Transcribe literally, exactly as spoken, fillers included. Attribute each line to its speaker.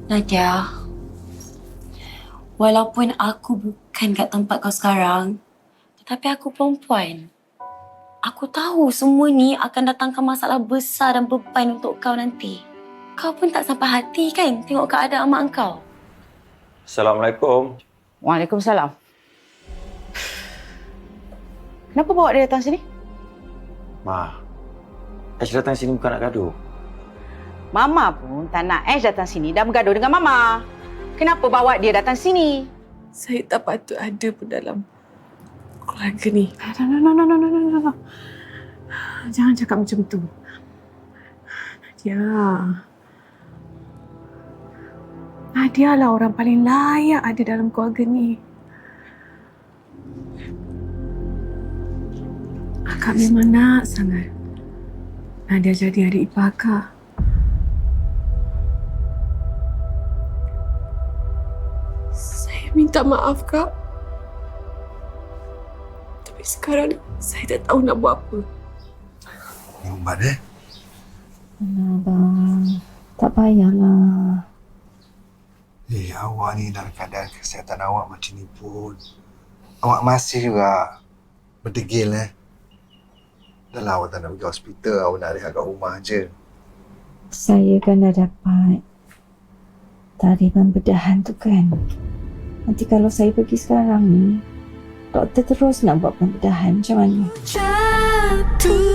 Speaker 1: Nadia, walaupun aku bukan kat tempat kau sekarang, tetapi aku perempuan. Aku tahu semua ni akan datangkan masalah besar dan beban untuk kau nanti. Kau pun tak sampai hati kan tengok keadaan mak kau?
Speaker 2: Assalamualaikum.
Speaker 3: Waalaikumsalam. Kenapa bawa dia datang sini?
Speaker 2: Ma, Ash datang sini bukan nak gaduh.
Speaker 3: Mama pun tak nak Ash datang sini dan bergaduh dengan Mama. Kenapa bawa dia datang sini?
Speaker 4: Saya tak patut ada pun dalam keluarga ni.
Speaker 3: No, no, no, no, no, no, no, no. Jangan cakap macam tu.
Speaker 4: Nadia. Nadia lah orang paling layak ada dalam keluarga ni. Akak memang nak sangat Nadia jadi adik ipar Akak. Saya minta maaf, Kak. Tapi sekarang saya tak tahu nak buat apa.
Speaker 5: Ni ubat eh?
Speaker 6: Alah, Abang. Tak payahlah.
Speaker 5: Eh, awak ni dalam keadaan kesihatan awak macam ni pun. Awak masih juga berdegil eh. Dah lah awak tak nak pergi hospital, awak nak rehat kat rumah je.
Speaker 6: Saya kan dah dapat tariman bedahan tu kan. Nanti kalau saya pergi sekarang ni, doktor terus nak buat pembedahan macam mana?
Speaker 7: Jatuh